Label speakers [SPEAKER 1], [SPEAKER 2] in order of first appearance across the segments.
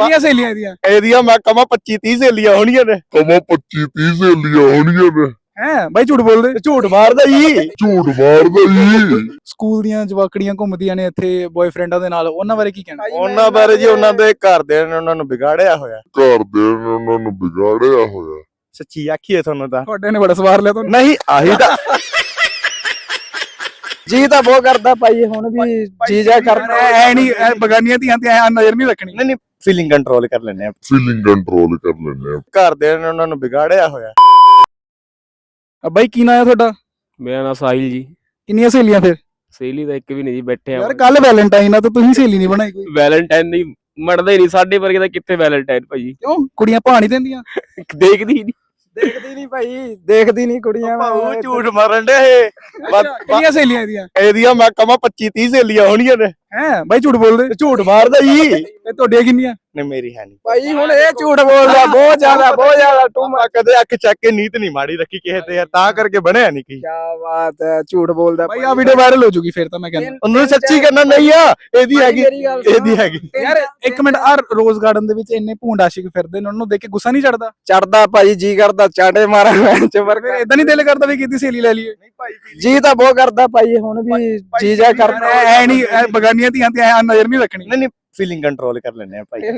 [SPEAKER 1] ਕਿੰਨੀਆਂ ਸਹੇਲੀਆਂ
[SPEAKER 2] ਇਹਦੀਆਂ ਮੈਂ ਕਮਾ 25-30 ਸਹੇਲੀਆਂ ਹੋਣੀਆਂ ਨੇ।
[SPEAKER 1] ਹੈ ਬਾਈ ਝੂਠ ਬੋਲਦੇ?
[SPEAKER 2] ਝੂਠ ਮਾਰਦਾ ਜੀ।
[SPEAKER 1] ਸਕੂਲ ਦੀਆਂ ਜਵਾਕੜੀਆਂ ਘੁੰਮਦੀਆਂ ਨੇ ਇੱਥੇ ਬॉयਫ੍ਰੈਂਡਾਂ ਦੇ ਨਾਲ, ਉਹਨਾਂ ਬਾਰੇ ਕੀ ਕਹਿਣਾ?
[SPEAKER 2] ਉਹਨਾਂ ਬਾਰੇ ਜੀ ਉਹਨਾਂ ਦੇ ਘਰਦਿਆਂ ਨੇ ਉਹਨਾਂ ਨੂੰ ਵਿਗਾੜਿਆ ਹੋਇਆ। ਸੱਚੀ ਆਖੀਏ ਤੁਹਾਨੂੰ ਤਾਂ
[SPEAKER 1] ਤੁਹਾਡੇ ਨੇ ਬੜਾ ਸਵਾਰ ਲਿਆ ਤੁਹਾਨੂੰ।
[SPEAKER 2] ਨਹੀਂ ਆਹੀ ਤਾਂ
[SPEAKER 3] ਜੀ ਤਾਂ ਬਹੁਤ ਕਰਦਾ ਭਾਈ, ਹੁਣ ਵੀ ਚੀਜ਼ਾਂ ਕਰਦਾ
[SPEAKER 1] ਐ ਨਹੀਂ ਬਗਾਨੀਆਂ ਧੀਆਂ ਤੇ ਐ ਨਜ਼ਰ ਨਹੀਂ ਰੱਖਣੀ।
[SPEAKER 2] ਨਹੀਂ ਫੀਲਿੰਗ ਕੰਟਰੋਲ ਕਰ ਲੈਂਦੇ ਆ। ਘਰਦਿਆਂ ਨੇ ਉਹਨਾਂ ਨੂੰ ਵਿਗਾੜਿਆ ਹੋਇਆ।
[SPEAKER 1] ਬਾਈ ਕੀ ਨਾਂ ਹੈ ਤੁਹਾਡਾ?
[SPEAKER 4] ਮੇਰਾ ਨਾਮ ਸਾਹਿਲ ਜੀ।
[SPEAKER 1] ਕਿੰਨੀਆਂ ਸਹੇਲੀਆਂ ਫਿਰ?
[SPEAKER 4] ਸਹੇਲੀ ਤਾਂ ਇੱਕ ਵੀ ਨਹੀਂ ਜੀ, ਬੈਠੇ ਆ
[SPEAKER 1] ਯਾਰ ਕੱਲ ਵੈਲੈਂਟਾਈਨ ਆ ਤੇ ਤੁਸੀਂ ਸਹੇਲੀ ਨਹੀਂ ਬਣਾਈ ਕੋਈ?
[SPEAKER 4] ਵੈਲੈਂਟਾਈਨ ਨਹੀਂ ਮੜਦਾ ਹੀ ਨਹੀਂ, ਸਾਡੇ ਵਰਗੇ ਦਾ ਕਿੱਥੇ ਵੈਲੈਂਟਾਈਨ ਭਾਜੀ।
[SPEAKER 1] ਕਿਉਂ ਕੁੜੀਆਂ ਭਾਅ ਨਹੀਂ ਦਿੰਦੀਆਂ?
[SPEAKER 4] ਦੇਖਦੀ ਹੀ ਨਹੀਂ।
[SPEAKER 3] ਦੇਖਦੀ ਨਹੀਂ ਭਾਈ, ਦੇਖਦੀ ਨਹੀਂ ਕੁੜੀਆਂ।
[SPEAKER 2] ਭਾਊ ਝੂਠ ਮਾਰਨ ਦੇ ਇਹ।
[SPEAKER 1] ਕਿੰਨੀਆਂ ਸਹੇਲੀਆਂ
[SPEAKER 2] ਇਹਦੀਆਂ ਮੈਂ ਕਮਾ 25-30 ਸਹੇਲੀਆਂ ਹੋਣੀਆਂ ਨੇ।
[SPEAKER 1] ਹੈ ਬਾਈ ਝੂਠ ਬੋਲਦੇ?
[SPEAKER 2] ਝੂਠ ਮਾਰਦਾ ਜੀ।
[SPEAKER 1] ਤੇ ਤੁਹਾਡੀਆਂ ਕਿੰਨੀਆਂ?
[SPEAKER 2] ਨਹੀਂ ਮੇਰੀ ਹੈ ਨਹੀਂ
[SPEAKER 3] ਭਾਈ, ਹੁਣ ਇਹ ਝੂਠ ਬੋਲਦਾ ਬਹੁਤ ਜ਼ਿਆਦਾ
[SPEAKER 2] ਤੂੰ ਮੈਂ ਕਦੇ ਅੱਖ ਚੱਕ ਕੇ ਨੀਤ ਨਹੀਂ ਮਾੜੀ ਰੱਖੀ ਕਿਸੇ ਤੇ ਯਾਰ, ਤਾਂ ਕਰਕੇ ਬਣਿਆ ਨਹੀਂ ਕੀ।
[SPEAKER 3] ਕੀ ਬਾਤ ਹੈ, ਝੂਠ ਬੋਲਦਾ
[SPEAKER 1] ਬਾਈ ਆ ਵੀਡੀਓ ਵਾਇਰਲ ਹੋ ਜੂਗੀ ਫਿਰ ਤਾਂ ਮੈਂ ਕਹਿੰਦਾ।
[SPEAKER 2] ਉਹਨੂੰ ਸੱਚੀ ਕਰਨਾ ਨਹੀਂ ਆ। ਇਹਦੀ ਹੈਗੀ
[SPEAKER 1] ਯਾਰ ਇੱਕ ਮਿੰਟ, ਆ ਰੋਜ਼ ਗਾਰਡਨ ਦੇ ਵਿੱਚ ਇੰਨੇ ਭੂੰਡ ਆਸ਼ਿਕ ਫਿਰਦੇ ਨੇ, ਉਹਨਾਂ ਨੂੰ ਦੇਖ ਕੇ ਗੁੱਸਾ ਨਹੀਂ ਚੜਦਾ?
[SPEAKER 3] ਚੜਦਾ ਭਾਈ, ਜੀ ਕਰਦਾ ਚਾਟੇ ਮਾਰਾਂ
[SPEAKER 1] ਫਿਰ ਇਦਾਂ ਨਹੀਂ ਦਿਲ ਕਰਦਾ ਵੀ ਕਿਤੇ ਸਹੇਲੀ ਲੈ ਲਈਏ?
[SPEAKER 3] ਜੀ ਤਾਂ ਬਹੁਤ ਕਰਦਾ ਭਾਈ, ਹੁਣ ਵੀ ਚੀਜ਼ਾਂ ਕਰਦਾ
[SPEAKER 1] ਐ ਨਹੀਂ ਬਗਾਨੀਆਂ ਧੀਆਂ ਤੇ ਐ ਨਜ਼ਰ ਨਹੀਂ ਰੱਖਣੀ।
[SPEAKER 2] ਨਹੀਂ ਫੀਲਿੰਗ ਕੰਟਰੋਲ ਕਰ ਲੈਂਦੇ ਆ ਭਾਈ।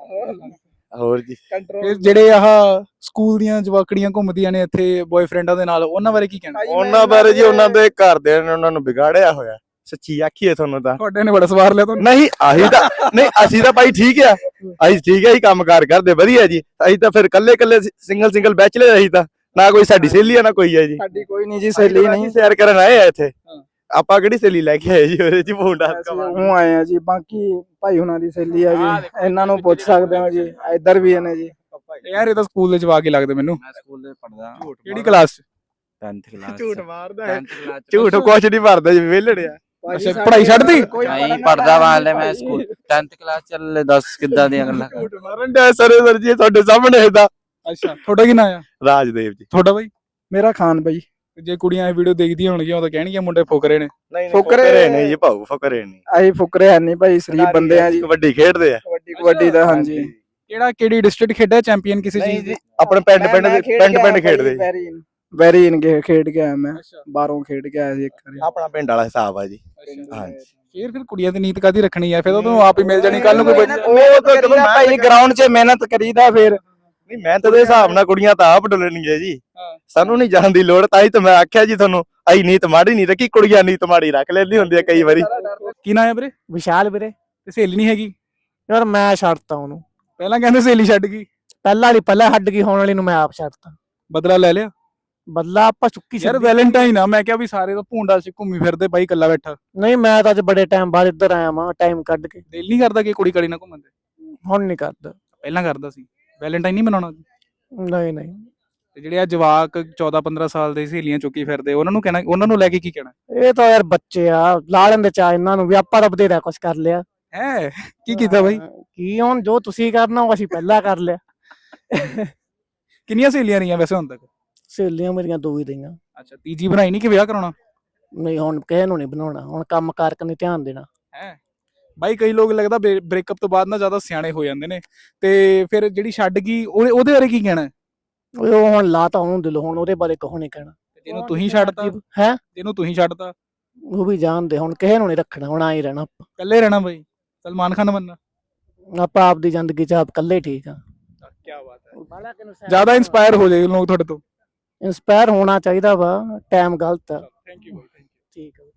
[SPEAKER 2] ਹੋਰ ਜੀ
[SPEAKER 1] ਇਹ ਜਿਹੜੇ ਆਹ ਸਕੂਲ ਦੀਆਂ ਜਵਾਕੜੀਆਂ ਘੁੰਮਦੀਆਂ ਨੇ ਇੱਥੇ ਬॉयਫ੍ਰੈਂਡਾਂ ਦੇ ਨਾਲ, ਉਹਨਾਂ ਬਾਰੇ ਕੀ ਕਹਿਣਾ?
[SPEAKER 2] ਉਹਨਾਂ ਬਾਰੇ ਜੀ ਉਹਨਾਂ ਦੇ ਘਰਦਿਆਂ ਨੇ ਉਹਨਾਂ ਨੂੰ ਵਿਗਾੜਿਆ ਹੋਇਆ। ਸੱਚੀ ਆਖੀਏ ਤੁਹਾਨੂੰ ਤਾਂ
[SPEAKER 1] ਤੁਹਾਡੇ ਨੇ ਬੜਾ ਸਵਾਰ ਲਿਆ ਤੁਹਾਨੂੰ।
[SPEAKER 2] ਨਹੀਂ ਆਹੀ ਤਾਂ ਨਹੀਂ, ਅਸੀਂ ਤਾਂ ਭਾਈ ਠੀਕ ਆ। ਅਸੀਂ ਠੀਕ ਆ ਹੀ ਕੰਮਕਾਰ ਕਰਦੇ ਵਧੀਆ ਜੀ। ਅਸੀਂ ਤਾਂ ਫਿਰ ਕੱਲੇ ਸਿੰਗਲ ਬੈਚਲਰ। ਅਸੀਂ ਤਾਂ ਨਾ ਕੋਈ ਸਾਡੀ ਸਹੇਲੀ ਆ ਨਾ ਕੋਈ ਹੈ ਜੀ।
[SPEAKER 3] ਸਾਡੀ ਕੋਈ ਨਹੀਂ ਜੀ ਸਹੇਲੀ, ਨਹੀਂ
[SPEAKER 2] ਸੈਰ ਕਰਨ ਆਏ ਆ ਇੱਥੇ। ਆਪਾਂ ਕਿਹੜੀ ਸਹੇਲੀ ਲੈ ਕੇ ਆਏ ਜੀ ਉਹਦੇ ਚ ਭੁੰਡਾ?
[SPEAKER 3] ਉਹ ਆਏ ਆ ਜੀ, ਬਾਕੀ ਭਾਈ ਹੁਣਾਂ ਦੀ ਸਹੇਲੀ ਆ ਜੀ, ਇਹਨਾਂ ਨੂੰ ਪੁੱਛ ਸਕਦੇ ਹੋ ਜੀ, ਇੱਧਰ ਵੀ ਨੇ ਜੀ।
[SPEAKER 1] ਯਾਰ ਇਹ ਤਾਂ ਸਕੂਲ ਦੇ ਜਵਾਕ ਹੀ ਲੱਗਦੇ ਮੈਨੂੰ।
[SPEAKER 4] ਮੈਂ ਸਕੂਲ ਦੇ ਪੜਦਾ।
[SPEAKER 1] ਕਿਹੜੀ ਕਲਾਸ ਚ?
[SPEAKER 4] 10th class.
[SPEAKER 2] ਝੂਠ ਮਾਰਦਾ ਹੈ। ਝੂਠ ਕੁਛ ਨਹੀਂ ਭਰਦਾ ਜੀ, ਵਿਹਲੜਿਆ।
[SPEAKER 1] ਅੱਛਾ ਪੜ੍ਹਾਈ ਛੱਡਤੀ?
[SPEAKER 4] ਨਹੀਂ ਪੜਦਾ ਵਾਲੇ ਮੈਂ ਸਕੂਲ 10th ਕਲਾਸ ਚੱਲ। ਦੱਸ ਕਿੱਦਾਂ ਦੀਆਂ ਗੱਲਾਂ।
[SPEAKER 2] ਝੂਠ ਮਾਰਨ ਦੇ ਸਰ ਜੀ ਤੁਹਾਡੇ ਸਾਹਮਣੇ ਇਹਦਾ।
[SPEAKER 1] ਅੱਛਾ ਤੁਹਾਡਾ ਕੀ ਨਾਂ ਆ?
[SPEAKER 2] ਰਾਜਦੇਵ ਜੀ।
[SPEAKER 1] ਤੁਹਾਡਾ ਬਾਈ?
[SPEAKER 3] ਮੇਰਾ ਖਾਨ ਬਾਈ।
[SPEAKER 1] ਜੇ ਕੁੜੀਆਂ ਇਹ ਵੀਡੀਓ ਦੇਖਦੀਆਂ ਹੋਣਗੀਆਂ ਉਹ ਤਾਂ ਕਹਿਣਗੀਆਂ ਮੁੰਡੇ ਫੁਕਰੇ ਨੇ।
[SPEAKER 2] ਨਹੀਂ ਫੁਕਰੇ ਨਹੀਂ ਜੀ ਭਾਊ, ਫੁਕਰੇ ਨਹੀਂ।
[SPEAKER 3] ਅਸੀਂ ਫੁਕਰੇ ਹੈ ਨਹੀਂ ਭਾਈ, ਸ਼ਰੀਫ ਬੰਦੇ ਆ ਜੀ।
[SPEAKER 2] ਕਬੱਡੀ ਖੇਡਦੇ ਆ।
[SPEAKER 3] ਕਬੱਡੀ ਦਾ ਹਾਂਜੀ।
[SPEAKER 1] ਕਿਹੜੀ ਡਿਸਟ੍ਰਿਕਟ ਖੇਡਿਆ ਚੈਂਪੀਅਨ ਕਿਸੇ ਚੀਜ਼ ਦੀ?
[SPEAKER 2] ਆਪਣੇ ਪਿੰਡ ਖੇਡਦੇ।
[SPEAKER 3] ਵੈਰੀ ਇਨ ਖੇਡ ਕੇ ਆਇਆ ਮੈਂ, ਬਾਹਰੋਂ ਖੇਡ ਕੇ ਆਇਆ ਸੀ ਇੱਕ ਵਾਰੀ।
[SPEAKER 2] ਆਪਣਾ ਪਿੰਡ ਵਾਲਾ ਹਿਸਾਬ ਆ ਜੀ। ਹਾਂਜੀ
[SPEAKER 1] ਫਿਰ ਕੁੜੀਆਂ ਦੀ ਨੀਤ ਕਾਦੀ ਰੱਖਣੀ ਆ? ਫਿਰ ਤਾਂ ਤੁਹਾਨੂੰ ਆਪ ਹੀ ਮਿਲ ਜਾਣੀ ਕੱਲ ਨੂੰ ਕੋਈ।
[SPEAKER 3] ਉਹ ਤਾਂ ਜਦੋਂ ਭਾਈ ਗਰਾਊਂਡ 'ਚ ਮਿਹਨਤ ਕਰੀਦਾ ਫਿਰ।
[SPEAKER 2] ਨਹੀਂ ਮਿਹਨਤ ਦੇ ਹਿਸਾਬ ਨਾਲ ਕੁੜੀਆਂ ਤਾਂ ਆਪ ਡੁੱਲਣਗੀਆਂ ਜੀ। ਸਾਨੂੰ ਨਹੀਂ ਜਾਣ ਦੀ ਲੋੜ। ਤਾਂ ਹੀ ਤਾਂ ਮੈਂ ਆਖਿਆ ਜੀ ਤੁਹਾਨੂੰ, ਆਈ ਨੀਤ ਮਾੜੀ ਨਹੀਂ ਰੱਖੀ, ਕੁੜੀਆਂ ਨੀਤ ਮਾੜੀ ਰੱਖ ਲੈਂਦੀ ਹੁੰਦੀ ਆ ਕਈ ਵਾਰੀ।
[SPEAKER 1] ਕੀ ਨਾਂ ਹੈ ਵੀਰੇ?
[SPEAKER 3] ਵਿਸ਼ਾਲ ਵੀਰੇ।
[SPEAKER 1] ਤੇ ਸਹੇਲੀ ਨਹੀਂ ਹੈਗੀ?
[SPEAKER 3] ਯਾਰ ਮੈਂ ਛੱਡਤਾ ਉਹਨੂੰ।
[SPEAKER 1] ਪਹਿਲਾਂ ਕਹਿੰਦੇ ਸਹੇਲੀ ਛੱਡ ਗਈ।
[SPEAKER 3] ਪਹਿਲਾਂ ਹੱਡ ਗਈ, ਹੋਣ ਵਾਲੀ ਨੂੰ ਮੈਂ ਆਪ ਛੱਡਤਾ।
[SPEAKER 1] ਬਦਲਾ ਲੈ ਲਿਆ?
[SPEAKER 3] ਬਦਲਾ ਆਪਾਂ ਚੁੱਕੀ
[SPEAKER 1] ਯਾਰ ਵੈਲੈਂਟਾਈਨ ਆ, ਮੈਂ ਕਿਹਾ ਵੀ ਸਾਰੇ ਤਾਂ ਭੂੰਡਾ ਸੀ ਘੁੰਮੀ ਫਿਰਦੇ, ਬਾਈ ਇਕੱਲਾ ਬੈਠਾ।
[SPEAKER 3] ਨਹੀਂ ਮੈਂ ਤਾਂ ਅੱਜ ਬੜੇ ਟਾਈਮ ਬਾਅਦ ਇੱਧਰ ਆਇਆ ਵਾਂ, ਟਾਈਮ ਕੱਢ ਕੇ।
[SPEAKER 1] ਦਿਲ ਨਹੀਂ ਕਰਦਾ ਕਿ ਕੁੜੀ ਕਾਲੀ ਨਾਲ ਘੁੰਮਣ ਦੇ?
[SPEAKER 3] ਹੁਣ ਨਹੀਂ ਕਰਦਾ।
[SPEAKER 1] ਪਹਿਲਾਂ ਕਰਦਾ ਸੀ। ਵੈਲੈਂਟਾਈਨ ਨਹੀਂ ਮਨਾਉਣਾ?
[SPEAKER 3] ਨਹੀਂ।
[SPEAKER 1] ਤੇ ਜਿਹੜੇ ਆ ਜਵਾਕ 14-15 ਸਾਲ ਦੇ ਸਹੇਲੀਆਂ ਚੁੱਕੀ ਫਿਰਦੇ, ਉਹਨਾਂ ਨੂੰ ਕਹਿਣਾ, ਉਹਨਾਂ ਨੂੰ ਲੈ ਕੇ ਕੀ ਕਹਿਣਾ?
[SPEAKER 3] ਇਹ ਤਾਂ ਯਾਰ ਬੱਚੇ ਆ, ਲਾ ਲੈਂਦੇ ਚਾਹ ਇਹਨਾਂ ਨੂੰ ਵੀ। ਆਪਾਂ ਤਾਂ ਬਥੇਰਾ ਕੁਛ ਕਰ ਲਿਆ
[SPEAKER 1] ਹੈ। ਕੀ ਕੀਤਾ ਬਾਈ?
[SPEAKER 3] ਕੀ ਹੁਣ ਜੋ ਤੁਸੀਂ ਕਰਨਾ ਉਹ ਅਸੀਂ ਪਹਿਲਾਂ ਕਰ ਲਿਆ।
[SPEAKER 1] ਕਿੰਨੀਆਂ ਸਹੇਲੀਆਂ ਰਹੀਆਂ ਵੈਸੇ ਹੁਣ ਤੱਕ?
[SPEAKER 3] ਸਹੇਲੀਆਂ ਮੇਰੀਆਂ 2 ਹੀ ਰਹੀਆਂ।
[SPEAKER 1] ਅੱਛਾ ਤੀਜੀ ਬਣਾਈ ਨਹੀਂ ਕਿ ਵਿਆਹ ਕਰਾਉਣਾ?
[SPEAKER 3] ਨਹੀਂ ਹੁਣ ਕਿਸੇ ਨੂੰ ਨਹੀਂ ਬਣਾਉਣਾ, ਹੁਣ ਕੰਮ ਕਾਰ ਕਰਨੀ ਧਿਆਨ ਦੇਣਾ
[SPEAKER 1] ਹੈ। ਬਾਈ ਕਈ ਲੋਕ ਲੱਗਦਾ ਬ੍ਰੇਕਅਪ ਤੋਂ ਬਾਅਦ ਨਾ ਜ਼ਿਆਦਾ ਸਿਆਣੇ ਹੋ ਜਾਂਦੇ ਨੇ, ਤੇ ਫਿਰ ਜਿਹੜੀ ਛੱਡ ਗਈ ਉਹਦੇ ਬਾਰੇ ਕੀ ਕਹਿਣਾ?
[SPEAKER 3] ਉਹ ਹੁਣ ਲਾਤਾ ਉਹਨੂੰ ਦਿਲੋਂ, ਹੁਣ ਉਹਦੇ ਬਾਰੇ ਕਹੋ ਨਹੀਂ ਕਹਿਣਾ।
[SPEAKER 1] ਜਿਹਨੂੰ ਤੁਸੀਂ ਛੱਡਤਾ
[SPEAKER 3] ਹੈ,
[SPEAKER 1] ਜਿਹਨੂੰ ਤੁਸੀਂ ਛੱਡਤਾ
[SPEAKER 3] ਉਹ ਵੀ ਜਾਣਦੇ, ਹੁਣ ਕਿਸੇ ਨੂੰ ਨਹੀਂ ਰੱਖਣਾ, ਹੁਣ ਆਈ ਰਹਿਣਾ ਆਪਾਂ।
[SPEAKER 1] ਇਕੱਲੇ ਰਹਿਣਾ ਬਾਈ? ਸਲਮਾਨ ਖਾਨ ਬਣਨਾ?
[SPEAKER 3] ਆਪਾਂ ਆਪਦੀ ਜ਼ਿੰਦਗੀ 'ਚ ਆਪ ਇਕੱਲੇ ਠੀਕ ਆ।
[SPEAKER 1] ਕੀ ਬਾਤ ਹੈ। ਜ਼ਿਆਦਾ ਇਨਸਪਾਇਰ ਹੋ ਜਾਏ ਲੋਕ ਤੁਹਾਡੇ ਤੋਂ।
[SPEAKER 3] ਇੰਸਪਾਇਰ ਹੋਣਾ ਚਾਹੀਦਾ ਵਾ, ਟਾਈਮ ਗਲਤ ਆ।
[SPEAKER 1] Thank you.
[SPEAKER 3] ਠੀਕ ਆ।